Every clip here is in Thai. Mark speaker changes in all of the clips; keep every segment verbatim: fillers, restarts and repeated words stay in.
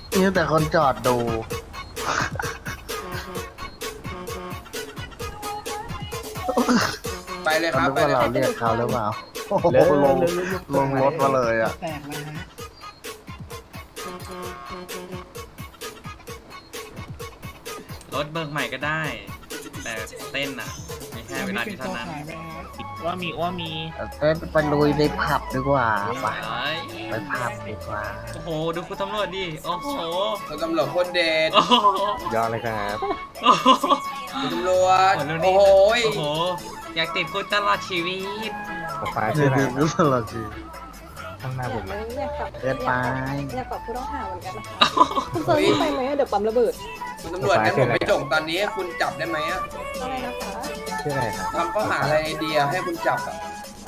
Speaker 1: นี่แต่คนจอดดู
Speaker 2: ไปเลยค
Speaker 1: เขา
Speaker 2: รับ
Speaker 1: คิด
Speaker 2: ไป
Speaker 1: ว่า
Speaker 2: เลย
Speaker 1: เราเรียกเขาหรือเปล่าโอ้โห
Speaker 3: เร็ว
Speaker 1: ลง
Speaker 3: เร็วเร็วเร็ว
Speaker 1: ลงรถมาเลยอ่ะ
Speaker 4: แตกเลยฮะ
Speaker 5: รถเบิกใหม่ก็ได้ แต่เต้นอ่ะไม่แค่เวลาที่เท่านั้น
Speaker 6: ว่ามีว่ามี
Speaker 1: เต้นไปลุยในผับดีกว่าไป
Speaker 5: เอ้ย
Speaker 1: ไปผับดีกว่า
Speaker 5: โอ้โห ดูคุณตำรวจดิ โอ้โห
Speaker 2: คุณตำรวจโคตรเด็ด
Speaker 5: โอ้โห
Speaker 3: ยอดเลยครับ
Speaker 5: โอ้โห
Speaker 2: คุณตำรวจ
Speaker 5: โอ้
Speaker 2: โอ้
Speaker 5: โห
Speaker 2: โห
Speaker 5: โอ้โห อยากติดคุกตลอดชีวิต
Speaker 3: ผมฟ้า
Speaker 1: เดี๋
Speaker 3: ชื่
Speaker 1: ย
Speaker 3: อ
Speaker 1: ว
Speaker 3: อะไร
Speaker 1: ดูตลอดชี
Speaker 3: ข้างหน้าผมไหม
Speaker 7: อยากกลับ
Speaker 1: เกินไป
Speaker 7: อยากกลับผู้ต้องหาเหมือนกันนะคะคุณเซิร์ฟไปไหมเดี๋ยวปั๊มระเบิด
Speaker 2: คุณตำรวจงั้นผมไปจงตอนนี้ให้คุณจับได้ไหมอะ
Speaker 7: อะไรนะคะ
Speaker 3: ชื่ออะไรครับ
Speaker 2: ทำข้อหาอะไรเดียให้คุณจับอะ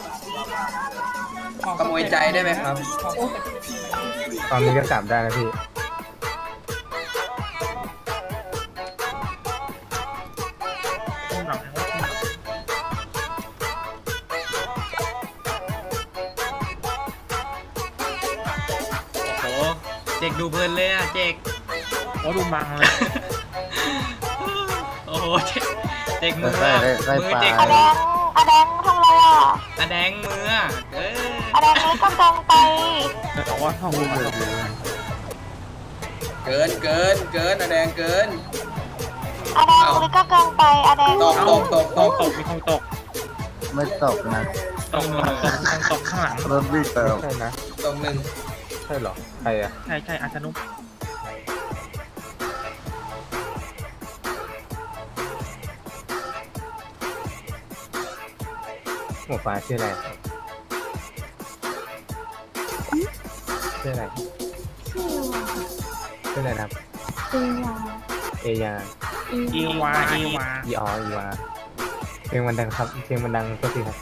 Speaker 2: ขโมยใจได้ไหมครับ
Speaker 3: ตอนนี้ก็จับได้แล้วพี่
Speaker 6: ต้องหลังนะว่า
Speaker 5: โอ้โห เจกดูเพลินเลยอ่ะ เจก
Speaker 6: โอ้ดูมังเลย
Speaker 5: โอ้โห เจกเจกมือ
Speaker 1: ใกล้
Speaker 5: อะ
Speaker 1: ใกล้
Speaker 5: มือ
Speaker 1: ไป
Speaker 5: เจก
Speaker 8: อาแดงอาแดงทำอะไรอ่ะ
Speaker 5: อะแดงมืออะเออ
Speaker 8: อาแดงนี้กำลังไป
Speaker 6: บอกว่าห้องดูมัง
Speaker 2: เกินเกินเกินอะแดงเกิน
Speaker 8: อาแดงนี้ก็กำลังไปอาแดง
Speaker 2: ตกตกตก
Speaker 6: ต
Speaker 2: ต
Speaker 6: ก
Speaker 2: ก
Speaker 6: ตกมีคงตก
Speaker 1: ไม่ตกนะ
Speaker 6: ตกตกตกคงตกข้างหลัง
Speaker 1: รถวิ่งเติม
Speaker 3: ใช่นะ
Speaker 2: ตกหนึ่ง
Speaker 3: ใช่เหรอ ใครอะ
Speaker 6: ใช่ใช่อาชนุก
Speaker 3: หัวฟ้าชื่ออะไรครับชื่ออะไรชื่ออะไรนะครับ เอยา
Speaker 6: อีวาอีวา
Speaker 3: อีอออีวาเพลงมันดังครับเพลงมันดังก็สิครับ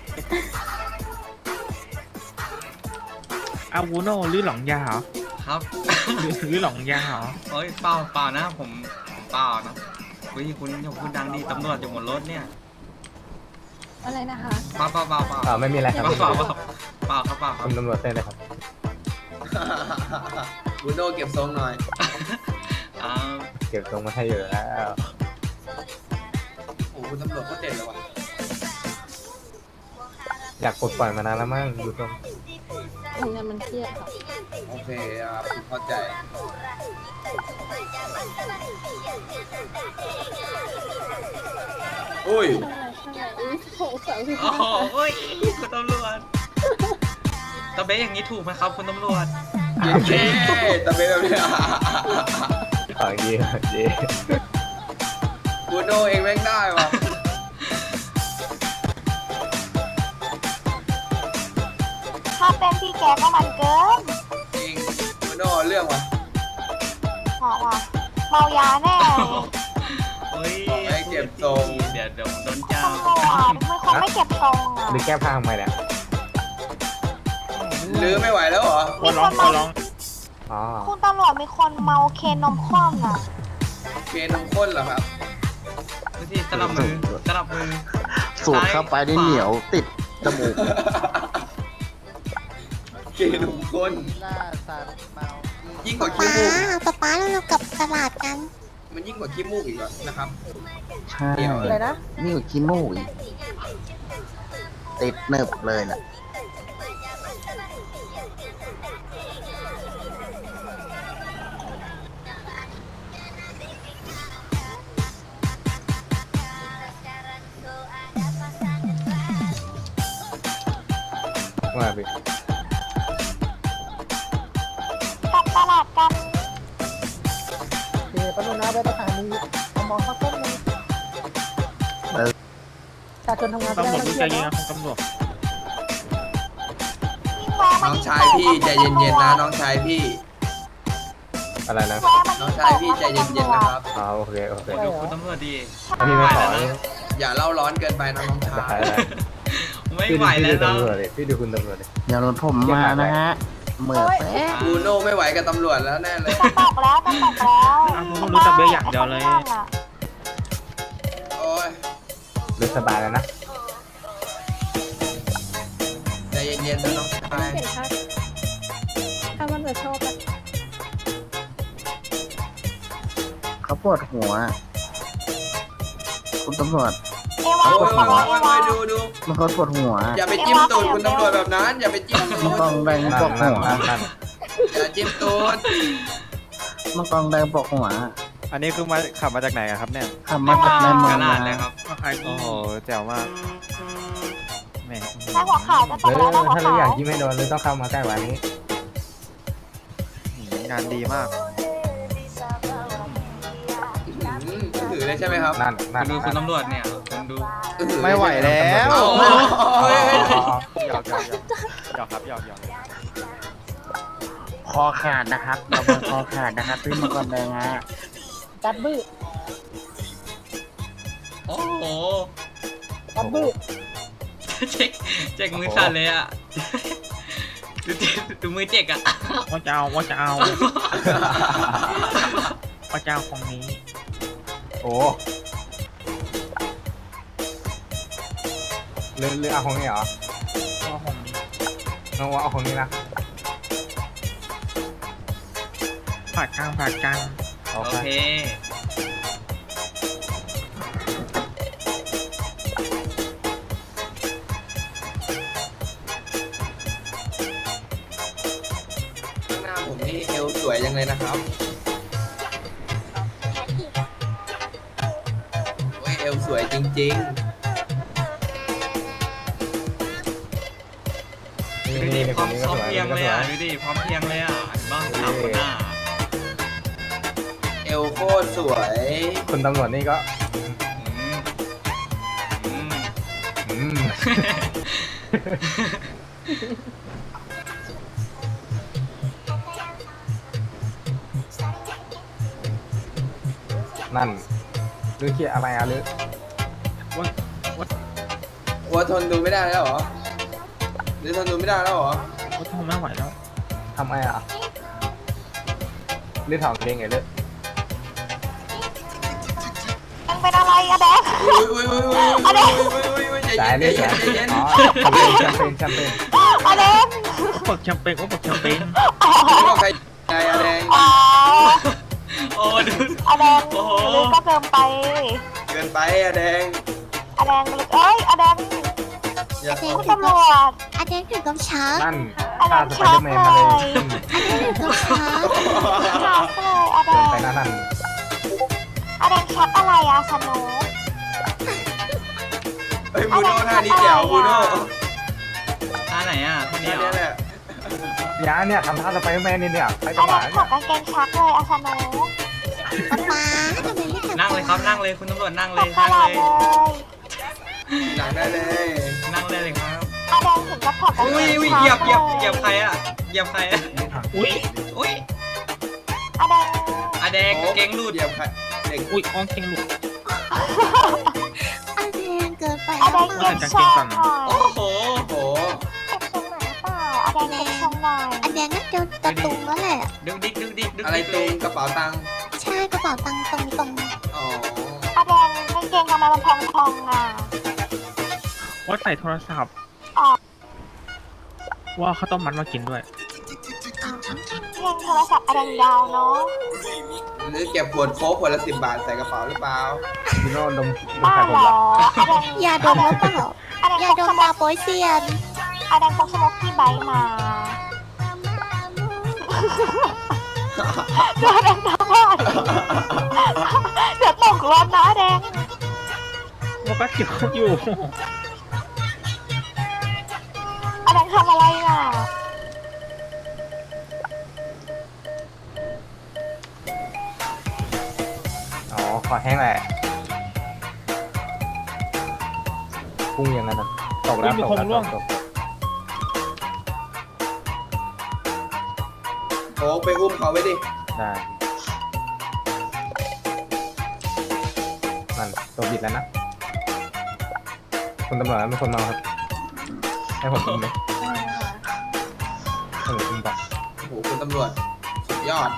Speaker 6: อาวูโน่หรือหลองยาเหรอ
Speaker 5: ครับ
Speaker 6: หรือหรือหลองยาเหรอ
Speaker 5: เฮ้ยเปล่าเปล่านะผมผมเปล่านะเฮ้ยคุณอย่าพูดดังดิตำรวจอยู่บนรถเนี่ย
Speaker 7: อะไรนะคะ
Speaker 5: เปล่าเปล่าเปล่าเปล่า
Speaker 3: อ่าไม่มีอะไรครับ
Speaker 5: เปล่าเปล่าเปล่าเปล่าครับเปล่าครับ
Speaker 3: คุณตำรวจเต้นเลยครับ
Speaker 2: บูโน่เก็บทรงหน่อย
Speaker 5: อ่า
Speaker 3: เก็บตรงมาให้เยอะแล้ว
Speaker 2: โอ้โหคุณตำรวจโคตรเด็ดเลยว่ะ
Speaker 3: อยากปลดปล่อยมานานแล้วมั้งดูตรง
Speaker 7: ทำงานมันเครียดค่ะ
Speaker 2: โอเคอ่ะผมเข้าใจอุ้ย
Speaker 7: ใช่ใช่อุ้ยโหสาวสิบ
Speaker 5: โอ้โหเฮ้ยคุณตำรวจตะเบ๊อย่างนี้ถูกไหมครับคุณตำรวจ
Speaker 2: เย้เย้ตะเบนแบบนี้
Speaker 3: ขอเยี่ยมเย่
Speaker 2: บูโน่เองแม่งได้ว่ะ
Speaker 8: ถ้าเป็นพี่แกก็มันเกิน
Speaker 2: จริงบูโน่เรื่องว่ะ
Speaker 8: บอกว่าเมายาแน่
Speaker 5: เฮ้ย
Speaker 2: บอกให้เก็บทรง
Speaker 5: เดี๋ยวเดี๋ยวโดนจับ
Speaker 8: ตำรวจมันคงไม่เก็บทรงอ่ะ
Speaker 3: หรือแก้ผ้าทำไมเนี่ย
Speaker 2: ลื้อไม่ไหวแล้วเหรอ
Speaker 6: ขอร้องขอร้อง
Speaker 3: อ๋อ
Speaker 8: คุณตำรวจมีคนเมาเคนนมข้นอ่ะ
Speaker 2: เคนมข้นเหรอครับ
Speaker 5: ดูสิสลับมือสลับมือ
Speaker 1: สูดเข้าไปนี่เหนียวติดจมูก
Speaker 2: เคนมข้น
Speaker 1: หน้าสัตว์เมา
Speaker 2: ยิ่งกว่าขี้มูกอีก
Speaker 8: ป๊าป๊าเรากลับตลาดกัน
Speaker 2: มันยิ่งกว่าขี้มูกอีกเหรอนะครับ
Speaker 1: ใช่
Speaker 2: เดี๋ยว
Speaker 7: อะไรนะ
Speaker 1: นี่อยู่ขี้มูกอีกติดเนิบเลยน่ะ
Speaker 3: ว่าไป
Speaker 8: กลับตลาดกัน
Speaker 4: เดี๋ยวปนุนาไปประธานีเอามองเขาต้นเลยประชาชนทำงาน
Speaker 6: ตำรวจ
Speaker 4: ไม่
Speaker 6: ดู
Speaker 4: ได้
Speaker 6: ใจ
Speaker 4: รัง
Speaker 6: เย็น
Speaker 4: เกียจ
Speaker 6: นะของตำรวจ
Speaker 8: ยิ่งแวะ
Speaker 2: น้
Speaker 8: มา
Speaker 2: อง
Speaker 8: ยิ่ง
Speaker 2: ชายพี่ใจเย็นๆนะน้องชายพี่
Speaker 3: อะไรนะ
Speaker 8: แวะมา
Speaker 2: น้
Speaker 8: ยิ่
Speaker 2: อง
Speaker 8: ง
Speaker 2: ชายพี่ใจเย็นๆนะครับ
Speaker 3: อ๋อโอเคโอเค
Speaker 5: ดูคุณตำรวจดี
Speaker 3: ถ้าพี่ไม่ขอ
Speaker 5: ไหว
Speaker 3: นี่
Speaker 5: แล้วนะ
Speaker 2: อย่าเล่าร้อนเกินไปนะน้องชา
Speaker 3: ได้
Speaker 2: ย
Speaker 3: ได้
Speaker 5: ไม่
Speaker 3: พี่
Speaker 5: ไหว
Speaker 3: ดูพี่
Speaker 5: แล้
Speaker 3: ดู
Speaker 5: วเนาะ
Speaker 3: ตำรวจเลยพี่ดูคุณตำรวจเลย
Speaker 1: เดี๋ยวรถผมมานะฮะเหมือแป๊ะ
Speaker 2: บูโน่ไม่ไหวกับตำรวจแล้วแน่เลย
Speaker 8: จะตกแล้วจะตกแล้ว
Speaker 6: อ้าวผมรู้แต่เบี้ยอย่างเดียวเลย
Speaker 2: โอ้ย
Speaker 3: รู้สบายแล้วนะ
Speaker 2: ใจเย็นๆนะน้องชาย
Speaker 7: เห็นถ้าถ้ามันจะชอบแบบ
Speaker 1: ปวดหัว คุณตำรวจ
Speaker 8: เอวา
Speaker 2: โอ้ย
Speaker 8: ขอ
Speaker 2: โอ้
Speaker 8: ร้อย
Speaker 2: ย
Speaker 8: เอ
Speaker 2: โอ้
Speaker 8: วาย
Speaker 2: ดูดู
Speaker 1: มันเขาปวดหัว
Speaker 2: อย่าไปจิ้มตูดคุณตำรวจแบบนั้น อย่าไปจิ้มตู
Speaker 1: มัน
Speaker 2: ด
Speaker 1: กองแดง
Speaker 3: นั่
Speaker 1: ป
Speaker 3: น
Speaker 1: ก
Speaker 3: นั่น
Speaker 1: หัว
Speaker 3: นั่นนั่น
Speaker 2: อย่าจิ้มตูด
Speaker 1: มันกองแดงปกหัว
Speaker 9: อันนี้คือมาขับมาจากไหนอะครับเนี่ย
Speaker 1: ขับมาจากในเมื
Speaker 5: ก
Speaker 1: อง
Speaker 5: ระ
Speaker 1: มา
Speaker 5: ดาษเลยครับ
Speaker 6: มาขายข
Speaker 9: โอ้
Speaker 6: อง
Speaker 9: โหแจ๋วมากแหม่
Speaker 8: นายหัวขาวจะต
Speaker 3: เอก
Speaker 8: แล้ว
Speaker 3: อ
Speaker 8: นายหัว
Speaker 3: ถ้าเรา
Speaker 8: ขา
Speaker 3: อยาว กยิ้มให้โดนเลยต้องเข้ามาใกล้กว่านี้
Speaker 9: งานดีมาก
Speaker 2: อืมถือเลยใช่ไหมครับ
Speaker 3: นั่นนั่น
Speaker 5: คุณดูคุณ
Speaker 3: นั่น
Speaker 5: ตำรวจเนี่ยคุณดู
Speaker 9: ไม่ไหวแล้ว
Speaker 2: โอ้โหเฮ้ยเฮ้ย
Speaker 3: อ๋ออ๋อ
Speaker 9: หยอกหยอกหยอกหยอกครับหยอกหยอก
Speaker 1: คอขาดนะครับเราเป็นคอขาดนะครับที่มังกรแดงฮะ
Speaker 4: จัดบื้อ
Speaker 5: โอ้โห
Speaker 4: จัดบื้อ
Speaker 5: เจ๊กเจ๊กมือสั่นเลยอ่ะดูเจ๊กดูมือเจ๊กอ่ะ
Speaker 6: ว่าจะเอาว่าจะเอาว่าจะเอาของนี้
Speaker 3: โอ้เลือเลือเอาของนี้เหรอ
Speaker 6: ว่าของนี้
Speaker 3: น้องว่าเอาของนี้นะ
Speaker 6: ผ่ากลางผ่ากลาง
Speaker 3: โอ
Speaker 5: โอ
Speaker 3: เค
Speaker 5: เค
Speaker 2: ข้างหน้าผมนี่เอวสวยจังเลยนะครับโอ้ยเอวสวยจริง
Speaker 3: นี่
Speaker 5: ดูดิ
Speaker 3: นี่
Speaker 5: พ
Speaker 3: ค
Speaker 5: ร้อน ม
Speaker 3: นี้
Speaker 5: พ
Speaker 3: ก็
Speaker 5: ร้อ
Speaker 3: ส
Speaker 5: ม
Speaker 3: วย
Speaker 5: เพรียง
Speaker 3: ก็
Speaker 5: เลย
Speaker 3: สว
Speaker 5: อ่ะ
Speaker 3: ย
Speaker 5: ดูดิพร้อมเพรียงเลยอ่ะเห็นบ้างสามคนหน้า
Speaker 2: ๆ เอวโคตรสวย
Speaker 3: คุณตำรวจนี่ก็
Speaker 5: อืมอืม
Speaker 3: อืมนั่นหรือเขียอะไรอะหรือ
Speaker 2: ว่าทนดูไม่ได้แล้วเหรอหรือทนดูไม่ได้แล้วเหรอ
Speaker 6: ว่าทนไม่ไหวแล้ว
Speaker 3: ทำไมอ่ะหรือถอดเพลงไงหรือ
Speaker 8: ยังเป็นอะไรอะแดง
Speaker 2: อุ้ยอุ้ยอุ้ยอุ้ยอุ้ยอุ้ยอุ้ยอุ้ยใจ
Speaker 3: สาย
Speaker 2: เย็
Speaker 3: นี่
Speaker 2: นใจ
Speaker 3: สาย
Speaker 2: เย็นใจเย็น
Speaker 3: อ๋อแชมเปญแชมเปญ
Speaker 8: อะแดง
Speaker 6: เปิดแชมเปญก็เปิดแชมเปญ
Speaker 2: ไม่บอกใครใจอะแดง
Speaker 8: อ๋อ
Speaker 5: โอ้ดู
Speaker 8: อะแดง
Speaker 5: โอ้โห
Speaker 8: ลึกก็เกินไป
Speaker 2: เกินไปอะแดง
Speaker 8: อะแดงลึกเอ้ยอะแดง
Speaker 2: อย่า
Speaker 8: คุณตำรวจ
Speaker 7: อาเดนถึงกับช้าง
Speaker 3: นั่นฆ่าสไปเดอร์แมนมาเลยอืม
Speaker 7: อาเดนถึงกับช้าง
Speaker 8: ชักเลยอะแด
Speaker 3: เดิน
Speaker 8: ง
Speaker 3: ไปนั่นนั่น
Speaker 8: อะแดงชักอะไรอะสนุก
Speaker 2: เฮ้ยบูโน่ท่านี้เจ๋วบูโน่
Speaker 5: ท่าไหนอ่ะท่านี้
Speaker 2: ท่า
Speaker 5: เหรอ
Speaker 2: นี้แหละ
Speaker 3: ยาเนี่ยทำท่าสไปเดอร์แมนนี่เนี่ยไปต
Speaker 8: อะ
Speaker 3: ล
Speaker 8: แด
Speaker 3: าด
Speaker 8: งถอดกางเกงชักเลยอะสนุก
Speaker 7: ป๊าป๊าทำไมไม่ทำ
Speaker 5: นั่งเลยครับนั่งเลยคุณตำรวจนั่ง
Speaker 8: ถ
Speaker 5: เล
Speaker 8: อด
Speaker 5: ย
Speaker 8: ต
Speaker 5: นั่ง
Speaker 8: ลา
Speaker 5: เล
Speaker 8: ด
Speaker 5: ย
Speaker 8: เลย
Speaker 2: หนังได้เลย
Speaker 5: นั่งเลยเลยครับ
Speaker 8: อะแดงถึงกับถอดกางเก
Speaker 5: อุ้ย
Speaker 8: ง
Speaker 5: อุ้ย
Speaker 8: ชัก
Speaker 5: เหยียบเหยียบ
Speaker 8: ล
Speaker 5: เหยียบใครอ่ะเหยียบใครอ่ะ
Speaker 6: อุ้ย
Speaker 5: อุ้ย
Speaker 8: อะแดง
Speaker 5: อะแดงกางเกงหลุด
Speaker 2: เหยียบใครเด็ก
Speaker 6: อุ้ยอ้องเก่งหลุด
Speaker 7: อาเดนเกินไป
Speaker 8: อะ
Speaker 7: แล้
Speaker 8: แด
Speaker 7: ว
Speaker 8: ง
Speaker 7: เป
Speaker 8: เก็
Speaker 7: ล่า
Speaker 8: บทรงหน่อย
Speaker 5: โอ้โห
Speaker 2: โอ้โห
Speaker 8: เก็บทรงหน่อยหรือเปล่าอะแดงเก็บทรงหน่อย
Speaker 7: อาเดนน่าจะตะตุงแล้วแหละ
Speaker 5: ดึกดิกดึกดิกดึก
Speaker 2: อะไร
Speaker 5: ดิก
Speaker 2: ต
Speaker 5: เล
Speaker 2: รง
Speaker 5: ย
Speaker 2: กระเป๋าตังค์
Speaker 7: ใช่กระเป๋าตังค์ตรงตรง
Speaker 2: อ๋อ
Speaker 8: อะแดงกางเกงทำไมมันพองๆอ่ะ
Speaker 6: ว่าใส่โทรศัพท์
Speaker 8: อ๋อ
Speaker 6: ว่าข้าวต้มมัดมากินด้วย
Speaker 8: เพลงโทรศัพท์อะแดงยาวเนาะ
Speaker 2: หรือเก็บขวดโค้กขวดละสิบบาทใส่กระเป๋าหรือเปล่า
Speaker 3: พี่โน่ดมดม
Speaker 8: บ้า
Speaker 3: ไข่ผม
Speaker 8: เหร
Speaker 3: ละ
Speaker 8: ออะแดง
Speaker 7: ๆยาดมหรือเปล่า
Speaker 8: อะแดง
Speaker 7: ยา
Speaker 8: พก
Speaker 7: ด
Speaker 8: ส
Speaker 7: ม
Speaker 8: โม
Speaker 7: ดาก โปยเซียน
Speaker 8: อะแดงพกสโมกที่ไบค์มาเดี๋ยวแดงทำว่าเดี๋ยวตกรถนะแดง
Speaker 6: ว่าก็เกี่ยวอยู่
Speaker 8: อะแดงทำอะไรอ่ะ
Speaker 3: อ๋อขอแห้งแหละพุ่งอย่างนั้นน่ะตกแล้วตกแล้วตกตก
Speaker 2: โค้กไปอุ้มเขาไว้ดิ
Speaker 3: ได้นั่นตัวบิดแล้วนะคุณตำรวจเป็นคนเมาครับให้ผมอุ้มไหมให้ผมอุ้มปะ
Speaker 2: โอ้โหคุณตำรวจสุดยอด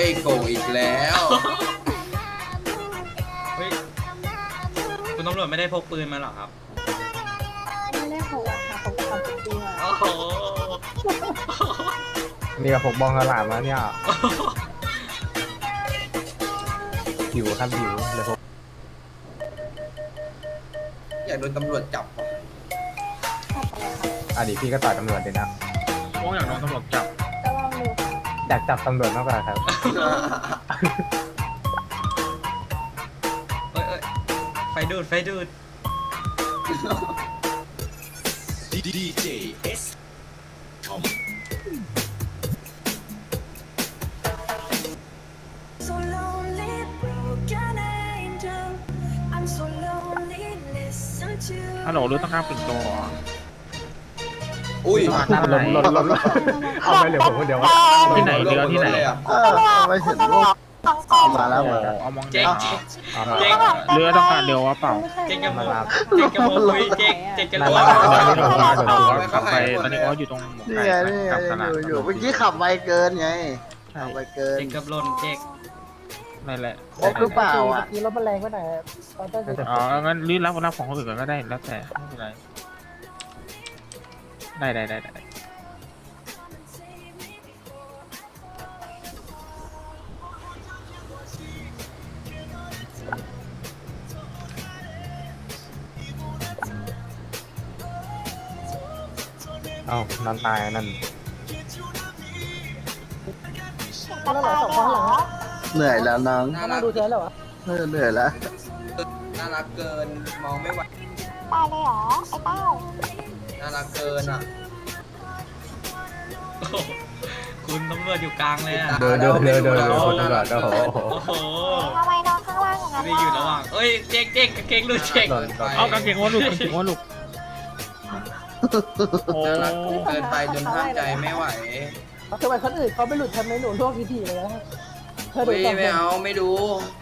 Speaker 2: โกงอีกแล้ว
Speaker 5: เฮ้ยคุณตำรวจไม่ได้พกปืนมาเหรอครับ
Speaker 7: ไม่ได้พกอะค่ะพกความจริงมา
Speaker 5: โอ้โห
Speaker 3: นี่ก็ผมบองกระหล่ำแล้วเนี่ยหิวครับหิวเลยผม
Speaker 2: อยากโดนตำรวจจับว่ะ
Speaker 7: ขับไปเลยค่ะ
Speaker 3: อ่ะดิพี่ก็ต่อยตำรวจเลยนะ
Speaker 6: โอ้อย่างน้องตำรวจจับ
Speaker 7: ก็ลองดูค่ะ
Speaker 3: อยากจับตำรวจมากกว่าครับ
Speaker 5: เอ้ยเอ้ยไฟดูดไฟดูด
Speaker 6: ฮัลโหลรู้ต้องการปิ่นโตเหรอ
Speaker 2: อุ้ย
Speaker 6: มาด้านไหน
Speaker 3: ลดลดลดเอาไปเหลือผมคนเดียววะ
Speaker 6: ที่ไหนเรือที่ไหน
Speaker 2: เลยอะ
Speaker 8: เออไม่เห็นรูปมาแล้ว
Speaker 6: โอ้
Speaker 8: มาแล้ว
Speaker 6: เอามอง
Speaker 5: เจ๊
Speaker 6: เจ๊
Speaker 5: ง
Speaker 3: เอามา
Speaker 5: เจ๊ง
Speaker 6: เรือต้องการเรือวะเปล่า
Speaker 7: ไม่ใช่
Speaker 5: เจ๊งจะโม
Speaker 3: มารับ
Speaker 5: เจ๊งจะโมคุยเจ๊งเจ๊งจะ
Speaker 3: นั่
Speaker 5: รู้
Speaker 3: น
Speaker 5: ว่า
Speaker 3: แหละ
Speaker 6: ตอนนี้เราเราขับไปตอนนี้เขาอยู่ตรงหมวก
Speaker 8: นี่
Speaker 6: ไก่
Speaker 8: ไงนี่ไง
Speaker 6: กับตลาด
Speaker 8: อยู่อยู่เมื่อกี้ขับไวเกินไง
Speaker 6: ใช่
Speaker 8: ขับไวเกิน
Speaker 5: เจ๊งกับหล่นเจ๊ง
Speaker 6: นั่นแหละ
Speaker 8: ครบหรือเปล่าอ่ะ
Speaker 4: เมื่อกี้รถมันแรงไปหน่อยตอนต้นจะ
Speaker 6: อ๋องั้นรีบรับรับของคนอื่นก่อนก็ได้แล้วแต่ไม่เป็นไรได้ได้ได้ได้
Speaker 3: เอ้านอนตายนั่น
Speaker 4: แล้วเหรอสองคนข้างหลังอะ
Speaker 8: เหนื่อยแล้วน้อง
Speaker 2: น่า
Speaker 4: เขา
Speaker 2: รั
Speaker 4: มาก ดูเธอแล้วเหรอ
Speaker 8: เออเหนื่อยแล้ว
Speaker 2: น่ารักเกินมองไม่ไหว
Speaker 8: ตายเลยเหรอ ไอ้เต้า
Speaker 2: น่ารักเกินอ่ะ
Speaker 5: โอ้โหคุณตำรวจอยู่กลางเลยอ่ะ
Speaker 3: เดินเดินเดินเดินเดินคนตำรวจโอ้โห
Speaker 5: โอ้โห
Speaker 8: ทำไมนอนข้างล่างอย่างนั้น
Speaker 5: ไม่อยู่ระหว่างเอ้ยเจ๊งเจ๊งกางเกงหลุดเจ๊ง
Speaker 3: หล่นหล่น
Speaker 6: เอากางเกงว่าลูกกางเกงว่าลูกโอ้
Speaker 2: น่ารักเกินไปจนห้ามใจไม่ไหว
Speaker 4: ทำไมคนอื่นเขาไม่หลุดทำไมหนูลวกทีๆเลยนะเธอดู
Speaker 2: อุ้ย
Speaker 4: ก่อน
Speaker 2: ไม่เอาไม่ดู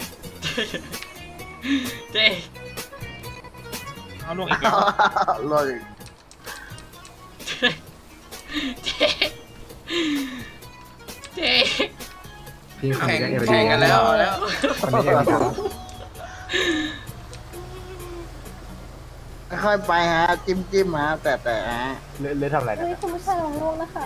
Speaker 5: เจ๊ง
Speaker 6: เอาลูกอีกแล้ว
Speaker 8: ลอย
Speaker 5: เจ๊งเจ๊ง
Speaker 3: พี่คน
Speaker 2: แข่ง
Speaker 3: นี้ก็เอวดี
Speaker 2: แข่งกันแล้วเอาแล้ว
Speaker 3: คนนี้เอวดี
Speaker 8: ค่อยๆไปฮะ จิ้มจิ้มฮะ แต่แต่ฮะ
Speaker 3: เลือดเลือดทำอะไรนะ
Speaker 7: เฮ้ยคุณผู้ชายลองลวกนะคะ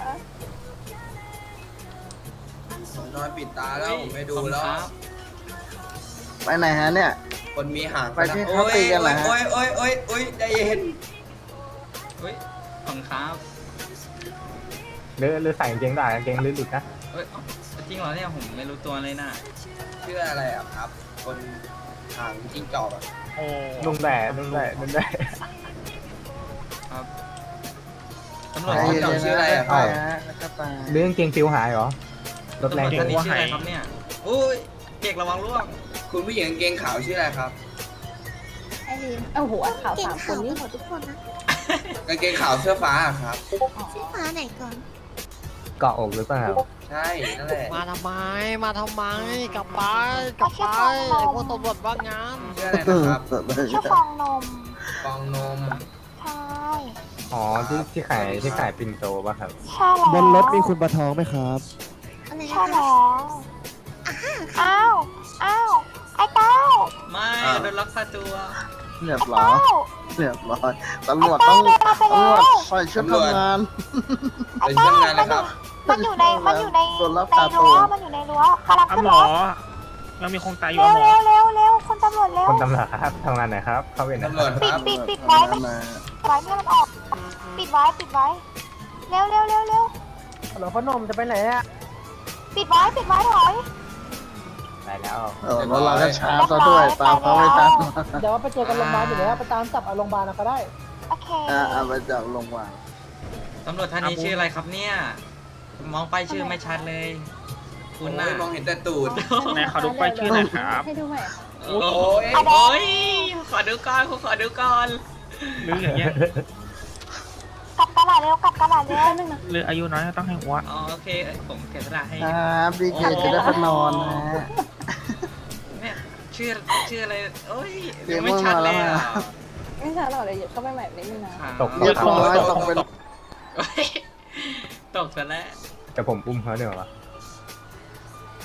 Speaker 2: ผมนอนปิดตาแล้วผมไม่ดูแล้ว
Speaker 5: ครับ
Speaker 8: ไปไหนฮะเนี่ย
Speaker 2: คนมีหาง
Speaker 8: ไปที่เขาตีกันเหรอฮะ
Speaker 2: โอ้ยโอ้ยโอ้ยโอ้ยใจเย็น
Speaker 5: เฮ้ยขอบคุณครับ
Speaker 3: เลือดเลือดใส่กางเกงได้กางเกงเลือดหลุดนะ
Speaker 5: เฮ้ยเอ้าจริงเหรอเนี่ยผมไม่รู้ตัวเลยน่ะ
Speaker 2: ชื่ออะไรอ่ะครับ คนหางจิ้งจอกอ่ะ
Speaker 6: โอ้
Speaker 3: ลุงแหล่ลุงแหล่ลุงแหล่
Speaker 5: ครับตำรวจ
Speaker 8: ไป
Speaker 5: ท่าน
Speaker 8: เย็
Speaker 5: นี้
Speaker 8: น
Speaker 5: ชื่อ
Speaker 8: ๆ
Speaker 5: อะไร
Speaker 8: นะ
Speaker 5: อะ
Speaker 8: ไป
Speaker 5: ครับ
Speaker 8: ฮะแล้วก็ไป
Speaker 3: เรื่องกางเกงฟิวหายเหรอรถ
Speaker 5: ตำร
Speaker 3: แร
Speaker 5: ว
Speaker 3: ง
Speaker 5: จ
Speaker 3: จั
Speaker 5: ท่าง นนี้ชื่ออะไรครับเนี่ยอุ้ยเจ๊กระวังร่วง
Speaker 2: คุณผู้หญิงกางเกงขาวชื่ออะไรครับ
Speaker 7: ไอ้นี่เอ้าหัวขาวสามคนนี่
Speaker 10: หมดทุกคนนะ
Speaker 2: กางเกงขาวเสื้อฟ้าอะครับ
Speaker 10: ชื่อฟ้าไหนก่อน
Speaker 3: เกาะอกหรือเปล่า
Speaker 2: ใช่นั่นแหละ
Speaker 11: มาทำไม มาทำไม กลับไป กลับไป ไอ้พวกตำรวจว่างงาน
Speaker 2: ชื่ออะไรนะครับ
Speaker 8: ชื่อฟองนม
Speaker 2: ฟองนม
Speaker 8: ใช่
Speaker 3: อ๋อที่ที่ขายที่ขายปิ่นโตป่ะครับ
Speaker 8: ใช่แล้ว
Speaker 9: บนรถมีคุณปลาทองไหมครับ
Speaker 10: อะไร
Speaker 8: ใช่
Speaker 10: นะ
Speaker 8: แล้
Speaker 10: คะ
Speaker 8: วอ้าว อ้าว ไอ้เต้า
Speaker 5: ไม่
Speaker 2: อ่า
Speaker 5: โดนลักพาตัว
Speaker 8: เรียบไอ้ร้อเต้ายเรียบร้อยตำรวจต้องไอ้เต้าเดินมาไป ตำรแล้ว วจใส่ชุดทำงาน
Speaker 2: เป็นช่างงานเลยครับ
Speaker 8: มันอยู่ใน มันอยู่ในส่วนรับใน ตาตัรั้ วว มันอยู่ในรั้วกำลัง
Speaker 6: อ่ะ
Speaker 8: ขึ้น
Speaker 6: หม
Speaker 8: ร
Speaker 6: อ
Speaker 8: ถ
Speaker 6: ยังมีคงตายอยู่
Speaker 8: เร็ว
Speaker 6: อ่ะหมอ
Speaker 8: เร็วเร็วเร็วคุณตำรวจเร็ว
Speaker 3: คนตำรวจครับทำงานไหนครับ เข้าเวรนะ
Speaker 2: ตำรวจครับ
Speaker 8: ปิดปิดไว้ไม่ ไว้ไม่ให้มันออก ปิดไว้ ปิดไว้ เร็วเร็วเร็วเร็ว
Speaker 4: เหรอพ่อหนมจะไปไหนอะ
Speaker 8: ปิดไว้ ปิดไว้ถอย
Speaker 3: ได้แล้ว
Speaker 8: เออรถเราก็ช้าซะด้วย ตามเขาไม่ทัน
Speaker 4: เดี๋ยวไปเจอกันโรงพยาบาลอยู่แล้วไปตามจับเอาโรงพยาบาลเอาก็ได้
Speaker 8: โอเค
Speaker 3: À,
Speaker 8: อ่า
Speaker 3: à,
Speaker 8: เอาไปจากลงวาง
Speaker 5: ตำรวจท่านนี้ชื่ออะไรครับเนี่ย มองไปชื่อไม่ชัดเลย คุณน่ะ
Speaker 2: โอ้ยมองเห็นแต่ตูด
Speaker 6: ไหนขอดูป้ายชื่อหน่อยครับ
Speaker 7: ให้ดูใหม่
Speaker 5: โอ้ยโอ้ยขอดูก่อนขอดูก่อน
Speaker 6: หรืออย่างเงี้ย
Speaker 8: กลับกระดาษเร็ว กลับกระดาษเร็ว
Speaker 7: แป๊บนึงนะ
Speaker 6: หรืออายุน้อยก็ต้องให้อ้วน
Speaker 5: อ๋อโอเคผมเก็บกระดาษให้
Speaker 8: ครับดีเจจะได้ไปนอนนะฮะ
Speaker 5: เนี่ยชื่อชื่ออะไรโอ้ย
Speaker 8: เสียง
Speaker 5: ไม่ชัดเลย
Speaker 8: มาแล้ว
Speaker 5: อ่ะ
Speaker 8: นะ
Speaker 7: ไม่ใช่หรอกเลยเข้าไปใหม่นิดนึงนะ
Speaker 3: ตก
Speaker 8: เรียบร้อยตกเป็น
Speaker 5: โอ้ยตกซะแล้ว
Speaker 3: แต่ผมอุ้มเขาเดี๋ยววะ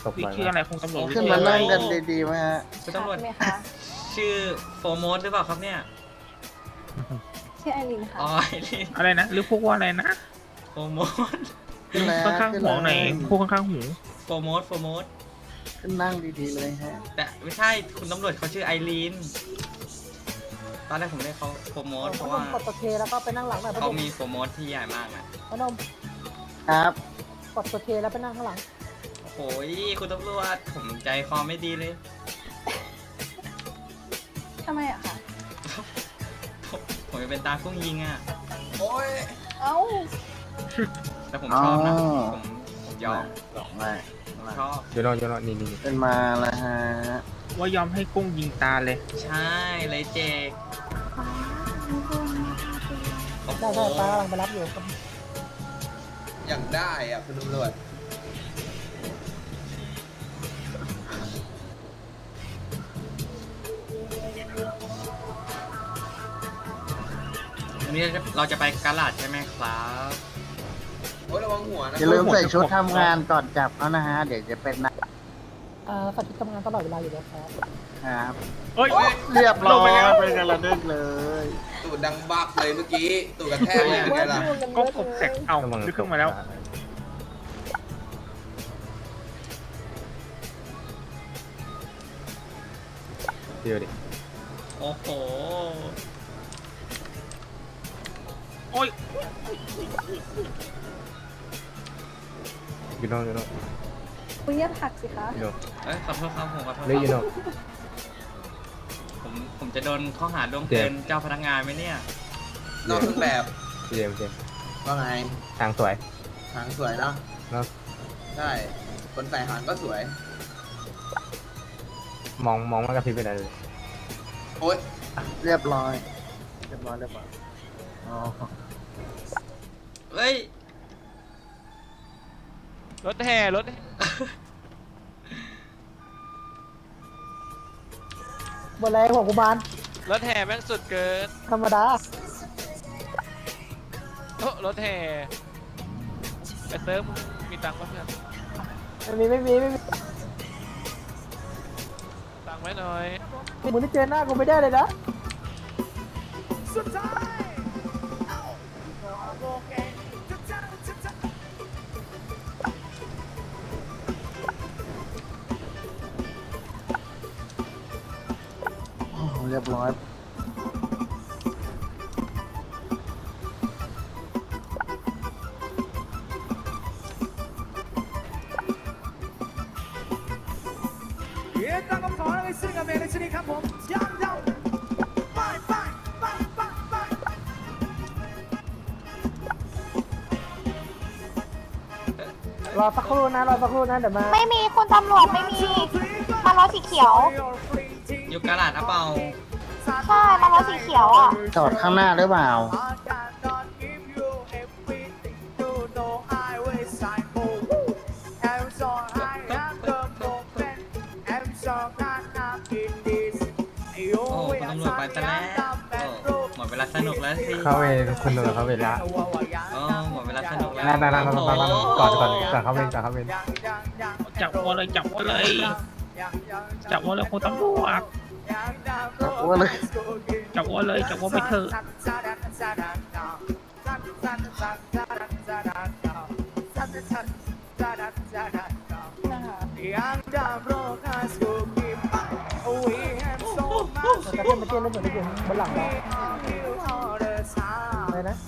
Speaker 3: ตบ
Speaker 6: พี่
Speaker 3: บ่อย
Speaker 6: ชื่อ
Speaker 3: มา
Speaker 6: อะไร
Speaker 3: ก
Speaker 6: คงตำรวจ
Speaker 1: ขึ้นมานั่งกันดีๆไหมฮะ
Speaker 5: คุณตำรวจ
Speaker 7: ไหมคะ
Speaker 5: ชื่อโฟร์โมสหรือเปล่าครับเนี่ย
Speaker 7: ชื่อไอรินค่ะ
Speaker 5: อ๋อไอ้นี่
Speaker 6: อะไรนะ หรือพวกว่าอะไรนะ
Speaker 5: โฟร์โมส
Speaker 1: ขึ้นแล้ว
Speaker 6: ข้างๆ
Speaker 1: ขึ้น
Speaker 6: หัว
Speaker 1: แล้ว
Speaker 6: ไหนพวกข้างๆหู
Speaker 5: โฟร์โมสโฟร์โมส
Speaker 1: ขึ้นนั่งดีๆเลยฮะ
Speaker 5: แต่ไม่ใช่คุณตำรวจเขาชื่อไอรีนตอนแรกผมเรียกเขาโฟร์โมสเพ
Speaker 4: พ
Speaker 5: ราะ
Speaker 4: น
Speaker 5: ว่าม
Speaker 4: กดตัวเคแล้วก็ไปนั่งหลังหน่อยพ
Speaker 5: เขา
Speaker 4: นม
Speaker 5: มีโฟร์โมสที่ใหญ่มากนะ
Speaker 4: พนม
Speaker 1: ครับ
Speaker 4: กดตัวเคแล้วไปนั่งข้างหลัง
Speaker 5: โอ้ยคุณตำรวจผมใจคอไม่ดีเลย
Speaker 7: ทำไมอะคะ
Speaker 5: ผมผมจะเป็นตากุ้งยิงอ่ะ
Speaker 2: โอ้ย
Speaker 7: เอ้า
Speaker 5: แต่ผมชอบนะ
Speaker 1: อ๋อ
Speaker 5: ผมผมยอม
Speaker 1: สองเลย
Speaker 5: ผมชอบ
Speaker 3: โยนโยนนี่นี่
Speaker 1: ขึ้นมาแล้วฮะ
Speaker 6: ว่ายอมให้กุ้งยิงตาเลย
Speaker 5: ใช่เลยเจกโอ้โห
Speaker 4: ได้ได้ป้ากำลังไปรับอยู่ครับ
Speaker 2: อย่างได้อ่ะคุณตำรวจ
Speaker 5: วันนี้เราจะไปกาลาดใช่ไหมครับ
Speaker 2: โอ้ยระวังหัวนะ
Speaker 1: อย่าลืมใส่ชุดทำงานก่อนจับเขานะฮะ เดี๋ยวจะเป็นนะ
Speaker 4: อ่าสัตว์ที่ทำงานตลอดเวลาอยู่แล้วครับ
Speaker 1: ครับ
Speaker 6: เฮ้ย
Speaker 1: เรียบร้อย
Speaker 6: ลงไปแล้ว
Speaker 1: เป็นกันระดึกเลย
Speaker 2: ตูดดังบักเลยเมื่อกี้ตูดกระแทกเลยเป็นไงล่ะ
Speaker 6: ก็กบแตกเอา
Speaker 3: ระวัง
Speaker 6: ลึกขึ้นมาแล้ว
Speaker 3: เดี๋ยวดิ
Speaker 5: โอ้โห
Speaker 6: โอ้ย
Speaker 3: ยูโน่ยูโน่
Speaker 7: คุณเยียบผักสิคะ
Speaker 3: ยูโน่
Speaker 5: เอ้ยขอโทษครับผมขอโทษ
Speaker 3: เฮ้ยยู
Speaker 5: ค
Speaker 3: โน่
Speaker 5: รับผมผมจะโดนข้อหาร่วมเกินเจ้าพนักงานไหมเนี่ย
Speaker 2: นอกเครื่องแบบ
Speaker 3: เจมส์เจมส์
Speaker 2: ว่าไง
Speaker 3: ทางสวย
Speaker 2: หางสวยเนาะ
Speaker 3: เนาะ
Speaker 2: ใช่ คนใส่หางก็สวย
Speaker 3: มองมองมากระพริบไปไหนเลย
Speaker 2: โอ๊ย
Speaker 1: เรียบร้อย เรียบร้อยเรียบร้อยอ๋อ
Speaker 5: เฮ้ย
Speaker 11: รถแห่รถ
Speaker 4: บนอะไรหัวกุมาร
Speaker 11: รถแห่แม่งสุดเกิน
Speaker 4: ธรรมดา
Speaker 11: โอ้รถแห่ไอเซิร์ฟมึงมีตังค์ปะเพื่อน
Speaker 4: ไม่มีไม่มีไม่มี
Speaker 11: ตังค์ไว้หน่อย
Speaker 4: มึงที่เจอหน้ากูไม่ได้เลยนะ
Speaker 1: โอ้เรียบร้อย
Speaker 4: รอสักครู่นะรอสักครู่นะเดี๋ยวมา
Speaker 8: ไม่มีคุณตำรวจไม่มีมารถสีเขียว
Speaker 5: อยู่กาลาดอะเปล่า
Speaker 8: ใช่มารถสีเขียวอ่ะ
Speaker 1: จอดข้างหน้าหรือเปล่า
Speaker 5: โอ้คุณตำรวจไปซะแล้วโอ้หมดเวลาสนุกแล้วสิ
Speaker 3: เข้าไปคุณตำรวจเข้าไปละ
Speaker 5: โอ้หมดเวลาสนุกแล้ว
Speaker 3: นั่นนั่นนั่นนั่น
Speaker 5: โอ้
Speaker 3: นั่น
Speaker 5: โห
Speaker 3: ก่อนก่อนก่อนเข้าเวรก่อนเข้าเวร
Speaker 6: จับวัวเลยจับวัวเลยจับวัวเลยคุณตำรวจ
Speaker 1: จับวัวเลย
Speaker 6: จับวัวเลยจับวัวไปเถอะ
Speaker 4: แต่ถ้ามาเต้นแล้วเหมือนจะอยู่บนหลังเราอะไรนะ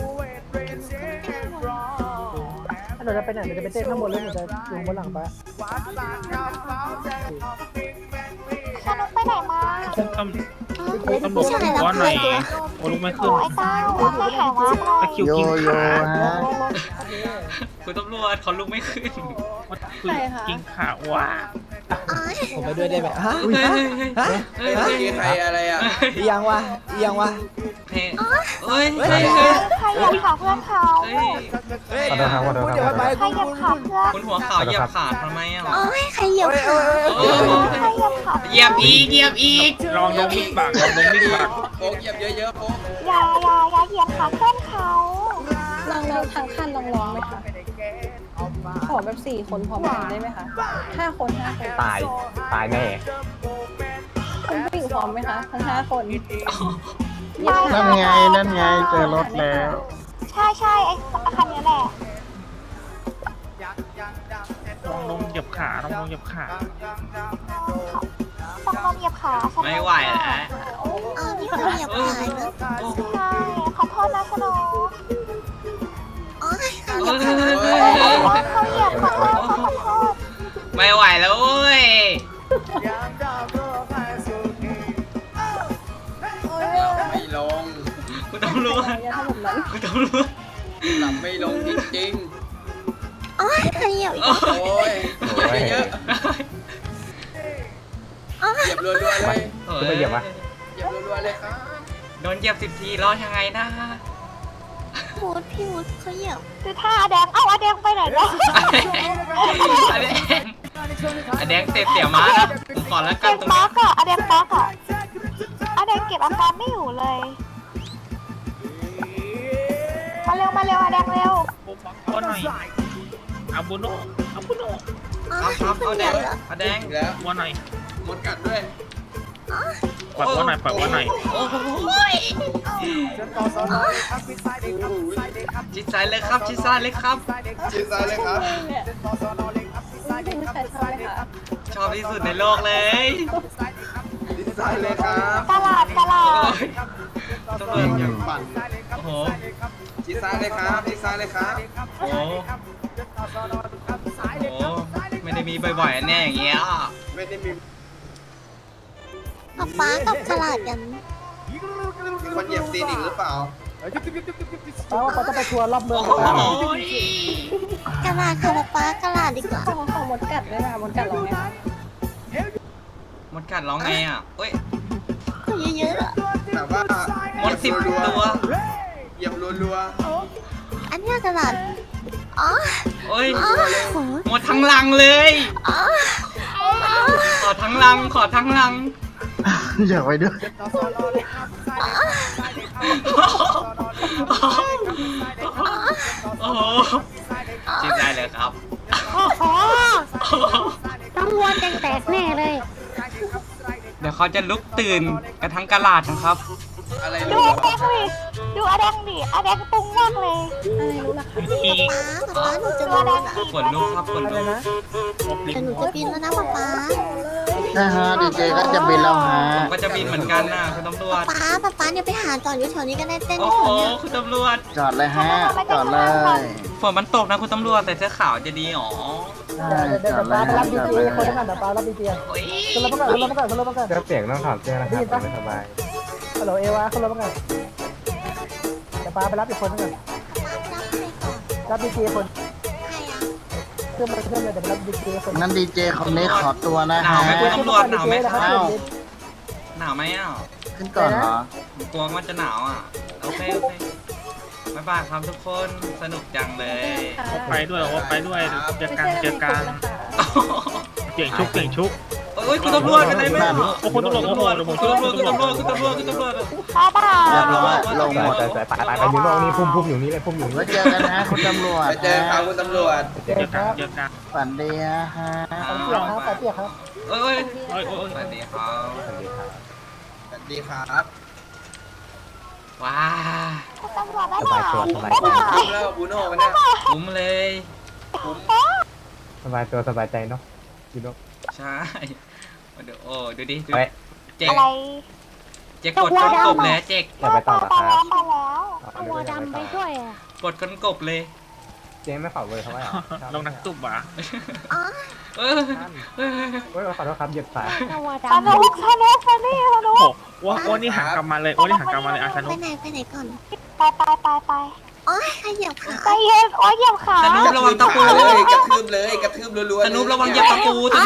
Speaker 4: ถ้าหนูจะไปไหนหนูจะไปเต้นข้างบนแล้วหนูจะอยู่บนหลังไป
Speaker 8: สนุกไปไหนมา
Speaker 6: คุณตำคุณตำรวจบอกว่าไหนโอ้ลุกไม่
Speaker 8: โอ้
Speaker 6: ขึ้น
Speaker 8: ไอ้เต้าไม่หายวับเลย
Speaker 6: ตะคริว
Speaker 1: โย
Speaker 6: กิน
Speaker 1: โย่
Speaker 6: ขา
Speaker 1: ฮะ
Speaker 5: คุณตำรวจเขาลุกไม่ขึ้น
Speaker 6: ว่าคือกินขาว่ะ
Speaker 11: ผมไปด้วยได้ไหมฮะ
Speaker 5: เฮ้ยเฮ้ยเฮ้ย
Speaker 2: เฮ้ย
Speaker 5: เฮ้ย
Speaker 2: เมื่อกี้ใครอะไรอ่ะ
Speaker 11: อียังวะอียังวะ
Speaker 5: เฮ้ยเฮ้ยเฮ้ยเฮ้ย
Speaker 8: ใครเหยียบขาเพื่อนเขา
Speaker 5: เฮ้ย
Speaker 11: เฮ้ย
Speaker 3: ขอโทษครับขอโทษครับ
Speaker 8: ใครเหยียบขาเพื่อน
Speaker 5: คุณหัวขาวเหยียบขาทำไมอ่ะ
Speaker 10: โอ้ยใครเหยียบขา
Speaker 5: โอ้
Speaker 8: ใครเหยียบขา
Speaker 5: เหยียบอีกเหยียบอีก
Speaker 6: ลองลงมิดปากลองลงมิดปาก
Speaker 2: โป๊กเหยียบเยอะๆโป๊ก
Speaker 8: อย่าอย่าอย่าเหยียบขาเพื่อนเขา
Speaker 7: ลองลองทางขั้นลองลองไหมคะขอแบบสี่คนพร้อมกันได้ไหมคะห้าคนห้าคน
Speaker 3: ตายตายแน่
Speaker 7: คุณผู้หญิงพร้อมไหมคะทั้งห้าคน
Speaker 1: นั่นไงนั่นไงเจอรถแล้ว
Speaker 8: ใช่ใช่ไอ้คันนี้แหละ
Speaker 6: ลองลงเหยียบขาลองลงเหยียบขา
Speaker 8: ต้องลงเหยียบขาฉัน
Speaker 5: ไม่ไหวแล้ว
Speaker 10: อ้าวนี่เขาเหยียบขาเนอะ
Speaker 8: ใช่ขอโทษนะสโนว์
Speaker 10: อ๋อเขา
Speaker 5: เอ
Speaker 10: เหยียบ
Speaker 5: อ
Speaker 10: ขา
Speaker 8: เขาเหยียบขอโทษขอโทษ
Speaker 5: ไม่ไหวแล้วเว้ย
Speaker 2: ไม่ลง
Speaker 5: คุณตำรวจ
Speaker 7: อย่าทำแบบนั้น
Speaker 5: คุณตำรวจ
Speaker 2: หลับไม่ลงจริง
Speaker 10: อ๋อเขาเหยียบ
Speaker 2: ๆ โอ้ยเหยียบเยอะ
Speaker 10: อ๋อ
Speaker 2: ๆเหยียบรัวๆเลย
Speaker 3: คุณไปเหยียบวะ
Speaker 2: เหยียบรัวๆเลยครับ
Speaker 5: โดนเหยียบสิบทีรอดยังไงนะ
Speaker 10: พูดพี่วุฒิเขาเหยียบ
Speaker 8: คือท่าอาแดงเอ้าอาแดงไปไหนแล้ว
Speaker 5: อแดงอแดงเตะเสี่ยวม้านะผมขอแล้วกั
Speaker 8: เก็
Speaker 5: น
Speaker 8: บ
Speaker 5: ตรง
Speaker 8: ปั
Speaker 5: นี้
Speaker 8: กอะอาแดงปักอะอาแดงเก็บอาการไม่อยู่เลย มาเร็วมาเร็วอาแดงเร็ว
Speaker 6: ก็หน่อยอาบุโนอาบุโน
Speaker 10: อ๋อ
Speaker 5: ครับครับ
Speaker 10: เขา
Speaker 5: เอา
Speaker 10: เห
Speaker 5: แด
Speaker 10: ยีย
Speaker 5: ง
Speaker 10: บแล้ว
Speaker 5: เอาแดง
Speaker 2: อีกแล้ว
Speaker 6: วัวหน่อย
Speaker 2: มดกัดด้วย
Speaker 6: ปล่อยวัวหน่อยปล่อยวัวหน่อย
Speaker 5: โอ้โหชิดซ้ายเลยครับชิดซ้ายเลยครับ
Speaker 2: ชิดซ้ายเลยครับ
Speaker 7: ไม่มีใครทำเลยค่ะ
Speaker 5: ชอบที่สุดในโลกเลย
Speaker 2: ชิดซ้ายเลยครับ
Speaker 8: ตลาดตลา
Speaker 5: โอ้
Speaker 8: ด
Speaker 5: ยตำรวจ
Speaker 2: อย่างปั่น
Speaker 5: โอ้โห
Speaker 2: ชิดซ้ายเลยครับชิดซ้ายเลยครับ
Speaker 5: โอ้โหโอ้โหไม่ได้มีบ่อยๆอันเนี่ยอย่างเงี้ย
Speaker 2: ไม่ได้มี
Speaker 10: ป๊าป๊ากับฉลาดกัน
Speaker 2: มีคนเหยียบตีนอีกหรือเปล่า
Speaker 4: เพราะว่าเขาจะไปทัวร์รอบเมือง
Speaker 5: โอ้
Speaker 4: กัน
Speaker 5: โห
Speaker 10: กระลาดค่ะป๊าป๊ากระลาดดีกว่า
Speaker 7: ขอขอมดกัดด้วยนะมดกัดลงไหมคะ
Speaker 5: มดกัดร้องไงอ่ะเอ้ย
Speaker 10: เขาเยอะๆอะ
Speaker 2: แต่ว่าม
Speaker 5: ดสิบตัว
Speaker 2: เหยียบรัว
Speaker 10: อันเนี้ยกระลาดอ๋อ
Speaker 5: โอ้ย
Speaker 10: อ๋อโห
Speaker 5: หมดทั้งลังเลย
Speaker 10: อ๋ออ๋อ
Speaker 5: ขอทั้งลัง ขอทั้งลัง
Speaker 1: อยากไปด้วย
Speaker 5: โอ้โหชิดได้เลยครับ
Speaker 10: โอ้โหต้องวัวแตกๆแน่เลย
Speaker 5: เดี๋ยวเขาจะลุกตื่นกันทั้งกะลาดนะครับ
Speaker 2: ๆอะไร
Speaker 8: ดู
Speaker 2: รัว
Speaker 8: อาแดงดิดูอาแดงดิอาแดงตุ้งมากเลย
Speaker 7: อะไรรู้ล่ะคะ
Speaker 6: อีก
Speaker 10: ป๊าป๊าหนูจะ
Speaker 8: ดู
Speaker 10: บิ
Speaker 8: อาน แด
Speaker 10: แล้ว
Speaker 8: ง
Speaker 10: นะ
Speaker 8: ดิ
Speaker 5: ขนลุกครับขนลุก
Speaker 10: แต่หนูจะบินแล้วนะป๊าป๊า
Speaker 1: นะฮะดีเจก็จะบินแล้วฮะ
Speaker 5: ผมก็จะบินเหมือนกันนะคุณตำรวจ
Speaker 10: ป๊าป๊าป๊าเนี่ยไปหาจอดอยู่แถวนี้ก็ได้เต้น
Speaker 5: โอ้
Speaker 10: แถ
Speaker 5: โห
Speaker 10: วเนี้ย
Speaker 5: คุณตำรวจ
Speaker 1: จอดเลยฮะ จอดเลย
Speaker 5: ฝนมันตกนะคุณตำรวจแต่เสื้อขาวจะดีหรอ
Speaker 1: ใช่
Speaker 4: เดี๋ยวเดี๋ยว
Speaker 1: จอดเล
Speaker 4: ป้าย ไป
Speaker 1: ฮะ
Speaker 4: รับดี
Speaker 1: จอด
Speaker 4: เจ
Speaker 1: เลย
Speaker 4: คนละกันเดี๋ยวป้ารับดีเจ
Speaker 5: โอ้ย
Speaker 4: ขึ้นรถมาก่อนขึ้นรถมาก่อนขึ้นรถมาก่อน
Speaker 3: เสื้อเปียกต้องถอดเสื้อนะครับจะไม่สบาย
Speaker 4: ฮัลโหลเอวาขึ้นรถมาก่อนเดี๋ยวป้าไปรับอีกคนนึงก่อน
Speaker 10: ป๊ารับใครก่อน
Speaker 4: รับดีเจคน
Speaker 10: ใครอ่ะ
Speaker 4: ขึ้นมาขึ้นเลยเดี๋ยวไปรับดีเจคน
Speaker 1: งั้นดีเจคนนี้ขอตัวนะ
Speaker 5: หนาว
Speaker 1: ฮะ
Speaker 5: ไหมคุณตำรวจหนาวไหมค
Speaker 4: ค
Speaker 5: รั
Speaker 4: รั
Speaker 5: บบ หนาวไหมอ่ะ
Speaker 1: ขึ้นก่อนเหรอ
Speaker 5: ผมกลัวว่าจะหนาวอ่ะโอเคโอเคบ๊ายบายครับทุกคนสนุกจังเลย
Speaker 6: ว่าไปด้วยว่าไปด้วยเจอ
Speaker 7: ไม่
Speaker 6: กัน
Speaker 7: ใช่
Speaker 6: เจอ
Speaker 7: มี
Speaker 6: กั
Speaker 7: คน
Speaker 6: น
Speaker 7: นะคะ
Speaker 6: เปลี่ยนชุกเปลี่ยนชุก
Speaker 5: โอ้ยคุณตำรวจเป็นไรไหมอ่ะ
Speaker 6: โอ้คุณตำรวจโอ้โหเดี๋ยวผมช่วย
Speaker 5: คุณตำรวจคุณตำรวจคุณตำรวจคุณตำรวจ
Speaker 8: ป้าป้า
Speaker 1: เรียบร้อยลงหมด
Speaker 3: แต่แต่ตายตายไปอยู่นอกนี่พุ่มพุ่มอยู่นี่เลยพุ่มอยู่
Speaker 1: ไว้
Speaker 3: นี่
Speaker 1: เจอกันนะคุณตำรวจ
Speaker 2: ไปเจอครับคุณตำรวจ
Speaker 6: เจอกันเจอกัน
Speaker 1: ฝันดีนะฮะ
Speaker 4: เปียกครับเปียกครับ
Speaker 5: เอ้ย
Speaker 6: โอ้ยโอ้ย
Speaker 5: สวัสดีครับ
Speaker 3: สวัสดีครับ
Speaker 2: สวัสดีครับ
Speaker 5: ว้า
Speaker 8: คุณตำรวจได้
Speaker 3: ส
Speaker 8: เป
Speaker 3: บาย
Speaker 8: ล่า
Speaker 3: ตัวสบาย
Speaker 2: คุ้
Speaker 3: ใจ
Speaker 2: มคุ้มแล้วบูโน่มันเนี่ย
Speaker 5: คุ้มเลย
Speaker 3: สบายตัวสบายใจเนาะอยู่เนาะ
Speaker 5: ใช่เดี๋ยวโอ้ดูดิดู
Speaker 3: ไป
Speaker 5: เจ๊ก
Speaker 8: อะไร
Speaker 5: เจ๊กกดก้นกบเลยเจ๊ก
Speaker 3: จะไปต่อเหรอ
Speaker 8: ไป
Speaker 3: ครับ
Speaker 8: แล้วไปแล้ว
Speaker 3: อ๋อนึกว่าจะไปต่อ
Speaker 10: อ่ะ
Speaker 5: กดก้นกบเลย
Speaker 3: เจ๊ไม่ขอเบอร์เขาไว้เหรอ
Speaker 6: ลงนักตุบอ่ะ
Speaker 10: อ๋อ
Speaker 5: เออเออ
Speaker 3: โอ้ยขอโทษครับเหยียบสาย
Speaker 10: ตัว
Speaker 8: สนุกสนุกสนุกสนุ
Speaker 6: โอ้
Speaker 8: ก
Speaker 6: โหว่าว่านี่หักกลับมาเลยว่านี่หักกลับมาเลยอาชานุ
Speaker 10: ไปไหนไปไหนก่อน
Speaker 8: ไปไปไปไป
Speaker 10: อ๋อใครเหยียบขา
Speaker 8: ใจเย็นโอ้ยเหยียบขา
Speaker 5: สนุประวังตะปู
Speaker 2: เลยกระทืบเลยกระทืบรัวๆ
Speaker 5: สนุประวังเหยียบตะปูสนุ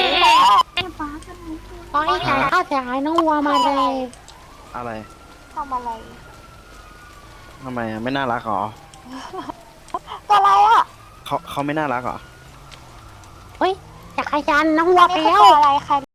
Speaker 10: อ๋อไอ้ขาข้าวจ๋าน้องวัวมาเลย
Speaker 1: อะไร
Speaker 8: ทำอะไร
Speaker 1: ทำไมอะไม่น่ารักเหรอ
Speaker 8: ตัวอะไรอ่ะ
Speaker 1: เขาเขาไม่น่ารักเหรอ
Speaker 10: จักรยานน้องวัว
Speaker 8: อัน
Speaker 10: ไป
Speaker 8: นี้คือ
Speaker 10: แล้ว
Speaker 8: ตัวอะไรใคร